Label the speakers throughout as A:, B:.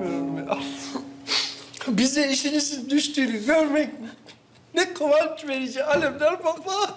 A: inanamıyorum ya. Bize işinizin düştüğünü görmek ne kıvanç verici Alemdar Baba.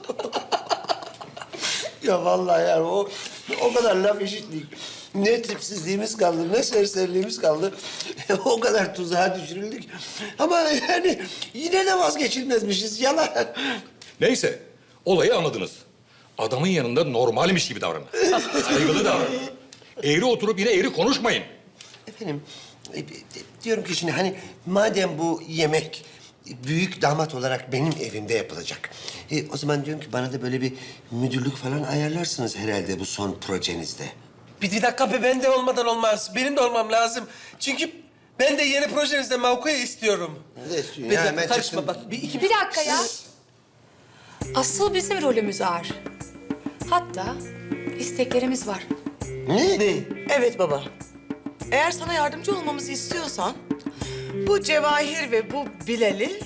A: Ya vallahi yani o kadar laf işittik. Ne tipsizliğimiz kaldı, ne serseriliğimiz kaldı. O kadar tuzağa düşürüldük. Ama yani yine de vazgeçilmezmişiz, yalan.
B: Neyse, olayı anladınız. Adamın yanında normalmiş gibi davranın. Saygılı davranın. Eğri oturup yine eğri konuşmayın.
A: Efendim, diyorum ki şimdi hani madem bu yemek büyük damat olarak benim evimde yapılacak. O zaman diyorum ki bana da böyle bir müdürlük falan ayarlarsınız herhalde bu son projenizde.
C: Bir dakika be, ben de olmadan olmaz. Benim de olmam lazım. Çünkü ben de yeni projenizde mevkiyi istiyorum.
A: Ne istiyorsun
C: Bir
A: ya?
C: dakika,
A: Ben
C: karışma
A: çıktım.
C: bak.
D: Bir dakika ya. Asıl bizim rolümüz ağır. Hatta isteklerimiz var.
A: Ne?
E: Evet baba. Eğer sana yardımcı olmamızı istiyorsan... ...bu Cevahir ve bu Bilal'i...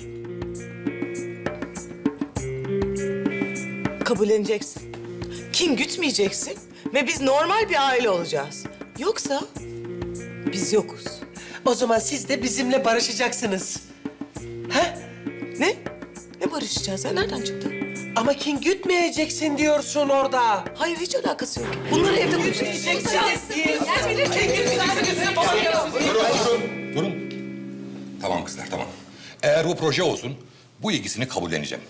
E: ...kabulleneceksin. Kin gütmeyeceksin ve biz normal bir aile olacağız. Yoksa biz yokuz.
C: O zaman siz de bizimle barışacaksınız. Ha?
E: Ne? Ne barışacağız ya? Nereden çıktı?
C: Ama kin gütmeyeceksin diyorsun orada.
E: Hayır, hiç alakası yok. Bunları evde konuşacağız.
B: Durun. Tamam kızlar, tamam. Eğer bu proje olsun, bu ilgisini kabulleneceğim.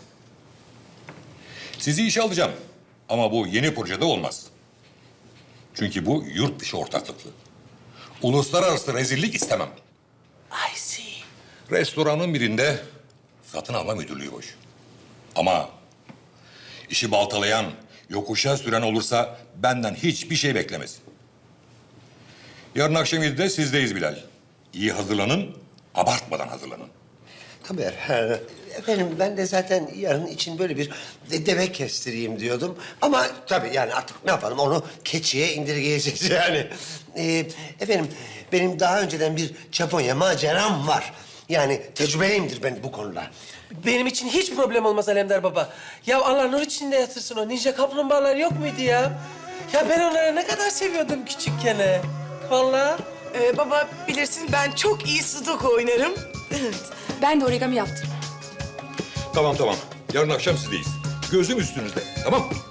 B: Sizi işe alacağım. Ama bu yeni projede olmaz. Çünkü bu yurt dışı ortaklıklı. Uluslararası rezillik istemem.
C: I see.
B: Restoranın birinde satın alma müdürlüğü boş. Ama işi baltalayan, yokuşa süren olursa benden hiçbir şey beklemesin. Yarın akşam 7'de sizdeyiz Bilal. İyi hazırlanın, abartmadan hazırlanın.
A: Tabii efendim ben de zaten yarın için böyle bir deve kestireyim diyordum. Ama tabii yani artık ne yapalım onu keçiye indirgeyeceğiz yani. Efendim benim daha önceden bir Japonya maceram var. Yani tecrübeliyimdir ben bu konuda.
C: Benim için hiç problem olmaz Alemdar Baba. Ya Allah nur içinde yatırsın, o ninja kaplumbağalar yok muydu ya? Ya ben onları ne kadar seviyordum küçükken. Vallahi.
E: Baba bilirsin ben çok iyi sudoku oynarım. Evet.
D: Ben de origami yaptım.
B: Tamam, tamam. Yarın akşam sizdeyiz. Gözüm üstünüzde, tamam mı?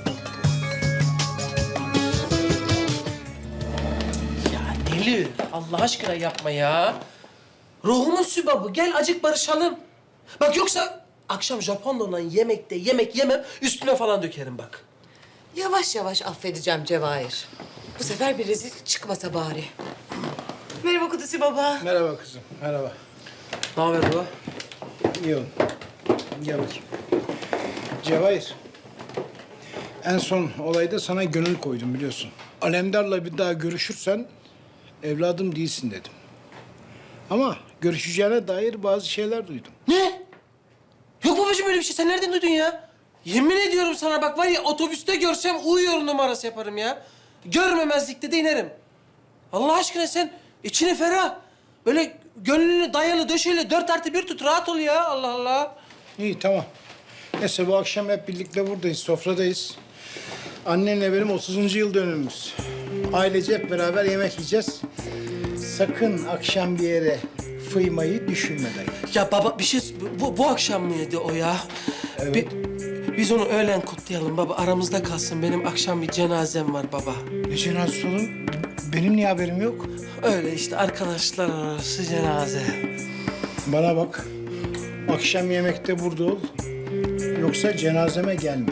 C: Ya Nilü, Allah aşkına yapma ya. Ruhumun sübabı, gel acık barışalım. Bak yoksa akşam Japonla olan yemekte yemek yemem, üstüne falan dökerim bak.
E: Yavaş yavaş affedeceğim Cevahir. Bu sefer bir rezil çıkmasa bari. Merhaba Kudusi baba.
F: Merhaba kızım, merhaba.
C: Ne haber baba?
F: İyi ol. Gel bakayım. Cevahir, en son olayda sana gönül koydum biliyorsun. Alemdar'la bir daha görüşürsen evladım değilsin dedim. Ama görüşeceğine dair bazı şeyler duydum.
C: Ne? Yok babacığım öyle bir şey. Sen nereden duydun ya? Yemin ediyorum sana bak var ya otobüste görsem uyuyor numarası yaparım ya. Görmemezlikte de inerim. Allah aşkına sen içini ferah. Böyle gönlünü dayalı döşeyle 4+1 tut. Rahat ol ya. Allah Allah.
F: İyi, tamam. Neyse bu akşam hep birlikte buradayız, sofradayız. Annenle benim 30. yıl dönümümüz. Ailece hep beraber yemek yiyeceğiz. Sakın akşam bir yere fıymayı düşünme dayı.
C: Ya baba bir şey... Bu akşam mıydı o ya?
F: Evet.
C: Biz onu öğlen kutlayalım baba. Aramızda kalsın. Benim akşam bir cenazem var baba.
F: Ne cenazesi oğlum? Benim niye haberim yok?
C: Öyle işte arkadaşlar arası cenaze.
F: Bana bak. Akşam yemekte burada ol. Yoksa cenazeme gelme.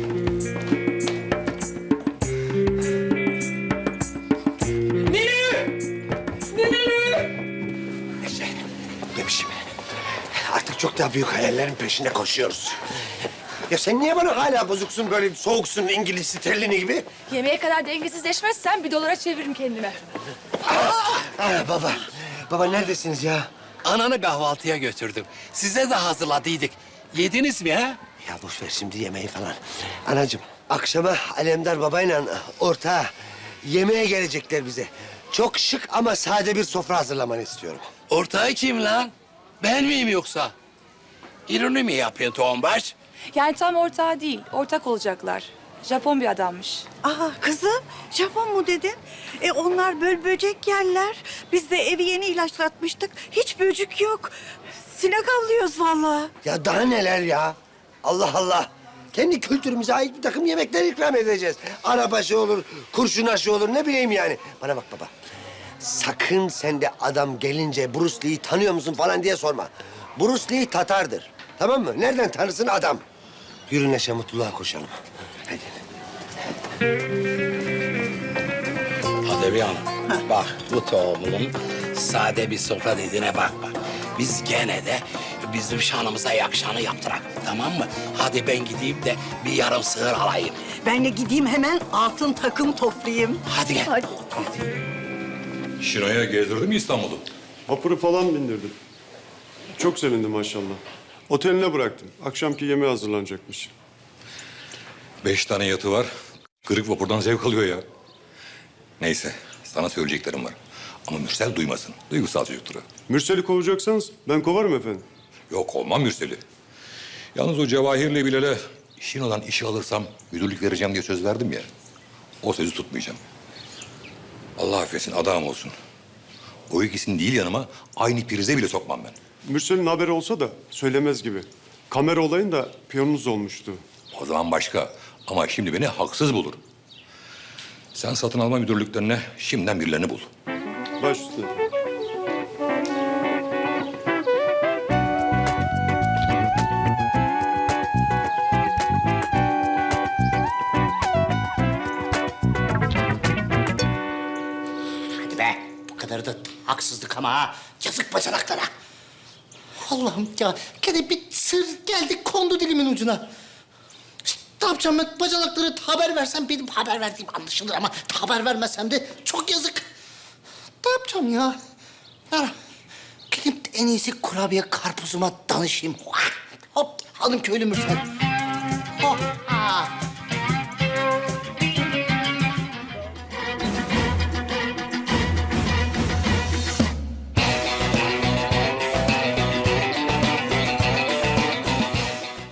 A: Demişim. Artık çok daha büyük hayallerin peşinde koşuyoruz. Ya sen niye bana hala bozuksun, böyle soğuksun, İngiliz sterlini gibi?
D: Yemeğe kadar dengesizleşmezsen $1 çeviririm kendime.
A: Baba, baba neredesiniz ya?
G: Ananı kahvaltıya götürdüm. Size de hazırladıydık. Yediniz mi ha?
A: Ya boş ver şimdi yemeği falan. Anacığım, akşama Alemdar babayla ortağa yemeğe gelecekler bize. Çok şık ama sade bir sofra hazırlamanı istiyorum.
G: Ortağı kim lan? Ben miyim yoksa? İroni mi yapıyorsun Toğumbaş?
D: Yani tam ortağı değil, ortak olacaklar. Japon bir adammış.
H: Aa kızım, Japon mu dedin? Onlar böcek yerler. Biz de evi yeni ilaçlatmıştık. Hiç böcük yok. Sinek avlıyoruz vallahi.
A: Ya daha neler ya? Allah Allah. Kendi kültürümüze ait bir takım yemekler ikram edeceğiz. Arabaşı olur, kurşun aşı olur, ne bileyim yani. Bana bak baba. Sakın sen de adam gelince Bruce Lee'yi tanıyor musun falan diye sorma. Bruce Lee Tatar'dır. Tamam mı? Nereden tanırsın adam? Yürü Neşe, mutluluğa koşalım. Hadi.
G: Adebi Hanım, bak bu tohumun sade bir sofra dediğine bakma. Biz gene de bizim şanımıza yakışanı yaptırak, tamam mı? Hadi ben gideyim de bir yarım sığır alayım.
H: Ben de gideyim hemen altın takım toplayayım.
G: Hadi gel.
H: Hadi.
B: Şino'ya gezdirdi mi İstanbul'u?
I: Vapuru falan bindirdim. Çok sevindim maşallah. Oteline bıraktım. Akşamki yemeğe hazırlanacakmış.
B: 5 tane yatı var. Kırık vapurdan zevk alıyor ya. Neyse, sana söyleyeceklerim var. Ama Mürsel duymasın. Duygusal çocuktur o.
I: Mürsel'i kovacaksanız ben kovarım efendim.
B: Yok, olmam Mürsel'i. Yalnız o Cevahir'le Bilal'e işin olan işi alırsam müdürlük vereceğim diye söz verdim ya. O sözü tutmayacağım. Allah affetsin, adam olsun. O ikisini değil yanıma aynı prize bile sokmam ben.
I: Mürsel'in haberi olsa da söylemez gibi. Kamera olayında piyonunuz olmuştu.
B: O zaman başka. Ama şimdi beni haksız bulur. Sen satın alma müdürlüklerine şimdiden birilerini bul.
I: Baş üstüne.
J: Hadi be, bu kadar da haksızlık ama ha. Yazık bacanaklara. Allah'ım ya, gene bir sır geldi, kondu dilimin ucuna. İşte ne yapacağım ben? Bacanaklara haber versem benim haber verdiğim anlaşılır ama haber vermesem de çok yazık. Ne yapacağım ya? Ya, gidip en iyisi kurabiye karpuzuma danışayım. Hop, hanım köylü Mürsel.